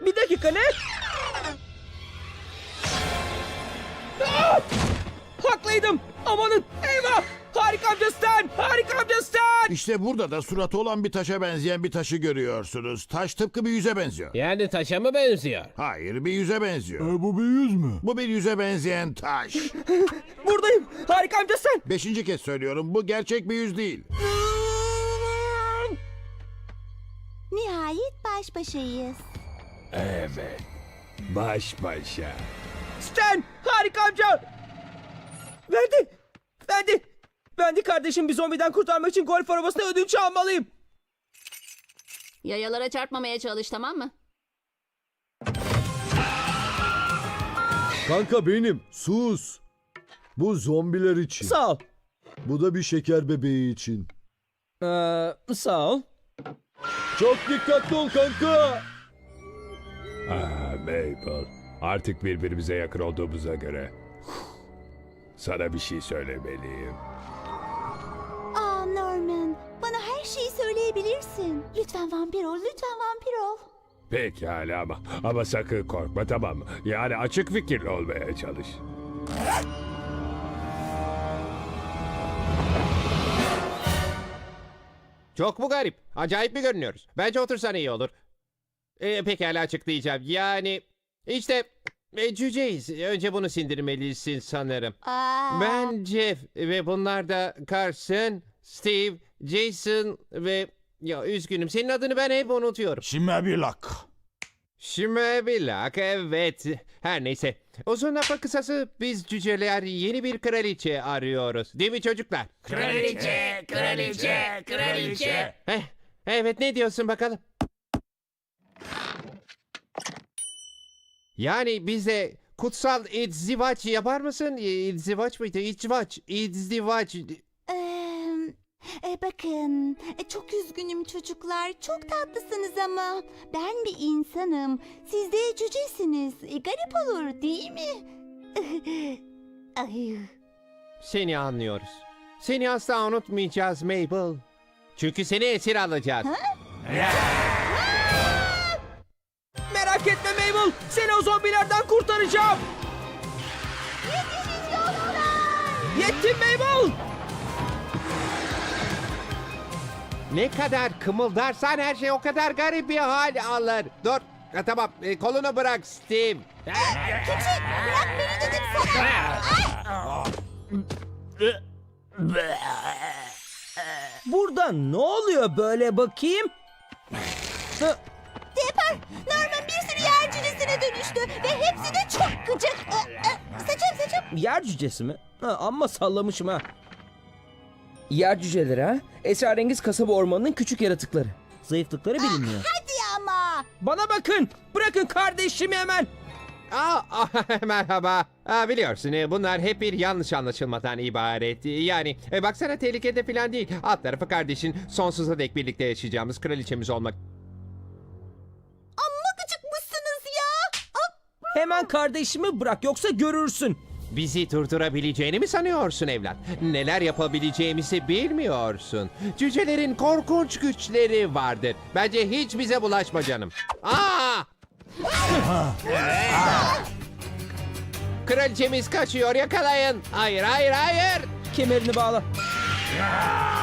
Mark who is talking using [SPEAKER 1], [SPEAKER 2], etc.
[SPEAKER 1] Bir dakika ne? Haklıydım. Amanın eyvah. Harika amca Stan. Harika amca Stan.
[SPEAKER 2] İşte burada da suratı olan bir taşa benzeyen bir taşı görüyorsunuz. Taş tıpkı bir yüze benziyor.
[SPEAKER 3] Yani taşa mı benziyor?
[SPEAKER 2] Hayır, bir yüze benziyor.
[SPEAKER 4] Bu bir yüz mü?
[SPEAKER 2] Bu bir yüze benzeyen taş.
[SPEAKER 1] Buradayım. Harika amca Stan.
[SPEAKER 2] 5. kez söylüyorum, bu gerçek bir yüz değil.
[SPEAKER 5] Nihayet baş başayız.
[SPEAKER 4] Evet. Baş başa.
[SPEAKER 1] Stan. Harika amca. Verdi kardeşim, bir zombiden kurtarmak için golf arabasına ödünç almalıyım.
[SPEAKER 6] Yayalara çarpmamaya çalış, tamam mı?
[SPEAKER 4] Kanka benim. Sus. Bu zombiler için.
[SPEAKER 1] Sağ ol.
[SPEAKER 4] Bu da bir şeker bebeği için.
[SPEAKER 1] Sağ ol.
[SPEAKER 4] Çok dikkatli ol kanka.
[SPEAKER 7] Mabel, artık birbirimize yakın olduğumuza göre sana bir şey söylemeliyim.
[SPEAKER 5] Aa Norman, bana her şeyi söyleyebilirsin. Lütfen vampir ol, lütfen vampir ol.
[SPEAKER 7] Pekala ama sakın korkma, tamam mı? Yani açık fikirli olmaya çalış.
[SPEAKER 3] Çok mu garip? Acayip mi görünüyoruz? Bence otursan iyi olur. Pekala açıklayacağım. Yani işte cüceyiz. Önce bunu sindirmelisin sanırım.
[SPEAKER 5] Aa,
[SPEAKER 3] Ben Jeff ve bunlar da Carson, Steve, Jason ve... Ya üzgünüm, senin adını ben hep unutuyorum.
[SPEAKER 2] Şimebilak.
[SPEAKER 3] Şimebilak, evet. Her neyse. Uzun lafın kısası biz cüceler yeni bir kraliçe arıyoruz. Değil mi çocuklar?
[SPEAKER 8] Kraliçe, kraliçe, kraliçe.
[SPEAKER 3] Evet, ne diyorsun bakalım? Yani bize kutsal izdivaç yapar mısın? İzdivaç mıydı? İzdivaç.
[SPEAKER 5] bakın, çok üzgünüm çocuklar. Çok tatlısınız ama ben bir insanım. Siz de cücesiniz. Garip olur değil mi? Ay.
[SPEAKER 3] Seni anlıyoruz. Seni asla unutmayacağız Mabel. Çünkü seni esir alacağız.
[SPEAKER 1] Merak etme Mabel. Seni o zombilerden kurtaracağım. Yettim Mabel.
[SPEAKER 3] Ne kadar kımıldarsan her şey o kadar garip bir hal alır. Dur. Tamam, kolunu bırak Steve.
[SPEAKER 5] Küçük, bırak beni dedim sana.
[SPEAKER 1] Burada ne oluyor böyle bakayım?
[SPEAKER 5] Dipper, Norman bir sürü yer cücesine dönüştü ve hepsi de çok gıcık. Saçım.
[SPEAKER 1] Yer cücesi mi? Amma sallamışım ha. Yer cüceleri ha? Esrarengiz kasaba ormanının küçük yaratıkları. Zayıflıkları bilinmiyor.
[SPEAKER 5] Hadi ama.
[SPEAKER 1] Bana bakın. Bırakın kardeşimi hemen.
[SPEAKER 3] Merhaba. Biliyorsun bunlar hep bir yanlış anlaşılmadan ibaret. Yani baksana tehlikede falan değil. Alt tarafı kardeşin sonsuza dek birlikte yaşayacağımız kraliçemiz olmak.
[SPEAKER 5] Amma gıcıkmışsınız ya.
[SPEAKER 1] Hemen kardeşimi bırak yoksa görürsün.
[SPEAKER 3] Bizi durdurabileceğini mi sanıyorsun evlat? Neler yapabileceğimizi bilmiyorsun. Cücelerin korkunç güçleri vardır. Bence hiç bize bulaşma canım. Kraliçemiz kaçıyor, yakalayın. Hayır.
[SPEAKER 1] Kemerini bağla.